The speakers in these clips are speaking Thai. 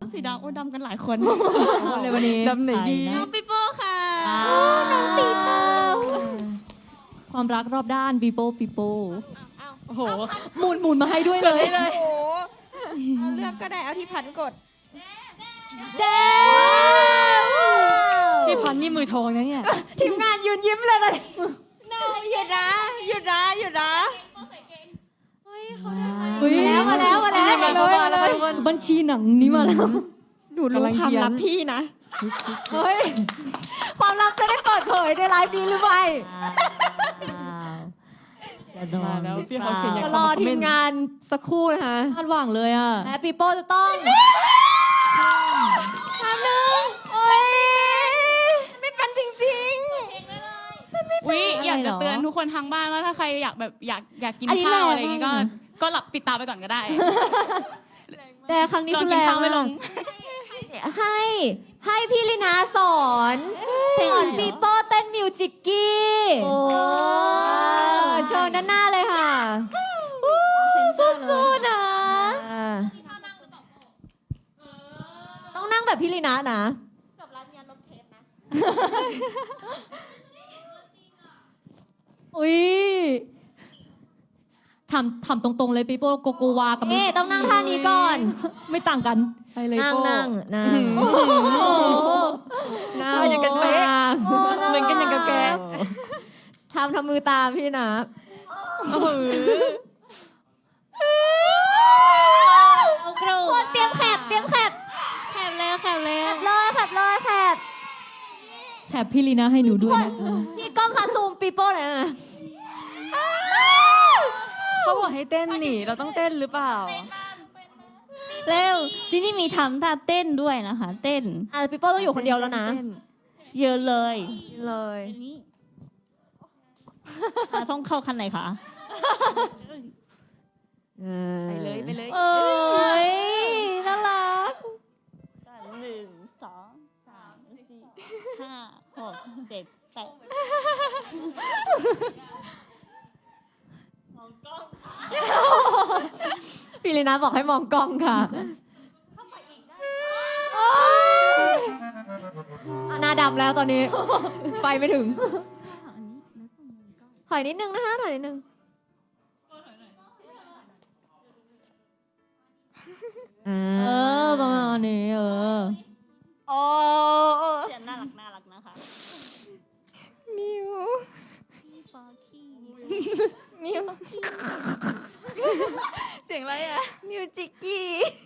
สีดำโอ้ดำกันหลายคนเลยวันนี้ดำไหนดีน้องปิโป้ค่ะน้องปีโป้ความรักรอบด้านปีโป้ปีโป้โอ้โหหมุนมาให้ด้วยเลยโอ้โหเอาเลือกก็ได้เอาที่พันกดเด้พี่พันนี่มือทองนะเนี่ยทีมงานยืนยิ้มเลยนะหยุดนะหยุดนะหยุดนะมาแล้วมาเลยบัญชีหนังนี้มาแล้วหนูรู้ความลับพี่นะเฮ้ยความลับจะได้เปิดเผยในไลฟ์นี้หรือไม่มาแล้วพี่เขาเขียนอย่างก็รอทีมงานสักครู่นะคะคาดหวังเลยอ่ะและปีโป้จะต้องโอ้ยไม่เป็นจริงอุ๊ยอยากจะเตือนทุกคนทางบ้านว่าถ้าใครอยากแบบอยากกินข้าวอะไรอย่างงี้ก็หลับปิดตาไปก่อนก็ได้แต่ครั้งนี้รอคือกิแรนงข้าวไม่ลมาง กให้พี่ลินาสอนปีโป้เต้นมิวจิกกี้โชว์ด้านหน้าเลยค่ะสู้ๆนะต้องนั่งแบบพี่ลินานะอุ้ยทำตรงๆเลยปีโป้โกโกวากับนี่ต้องนั่งท่านี้ก่อน ไม่ต่างกันไปเลยนั่งโป้นั่งนั่งเหมือนกันเป๊ะเหมือนกันอย่างกับแกทำมือตามพี่นะเอากรูคนเตรียมแคบแคบแล้วแคบพี่ลีนะให้หนูด้วยนะพี่ก้องคะซูมปีโป้หน่อยนะเขาบอกให้เต้นหนีเราต้องเต้นหรือเปล่าเร็วจริงๆมีทำท่าเต้นด้วยนะคะ เต้นปีโป้ต้องอยู่คนเดียวแล้วนะเยอะเลยเลยอันนี้ต้องเข้าคันไหนคะไปเลยไปเลยเอ้ยน่ารัก 1 2 3 4 5 6 7 8มองกล้องพี่ลีนะบอกให้มองกล้องค่ะหน้าดำแล้วตอนนี้ ไปไม่ถึง ถอยนิดนึงนะคะถอยนิดนึงประมาณนี้ๆโอ้เสียงน่ารักนะคะมิวพี่ฟอคี้มิวเสียงอะไรอ่ะมิวจิกกี้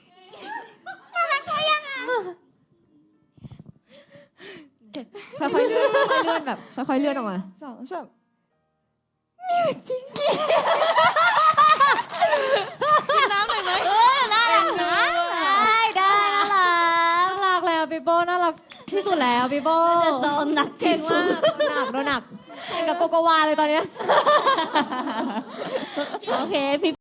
ค่อยๆเลื่อนแบบค่อยๆเลื่อนออกมา 2 3 กินน้ำหน่อยไหมได้น่ารักแล้วปีโป้น่ารักที่สุดแล้วปีโป้โดนหนักเก่งมากโดนหนักเก่งกับโกโกวาเลยตอนนี้โอเคพี่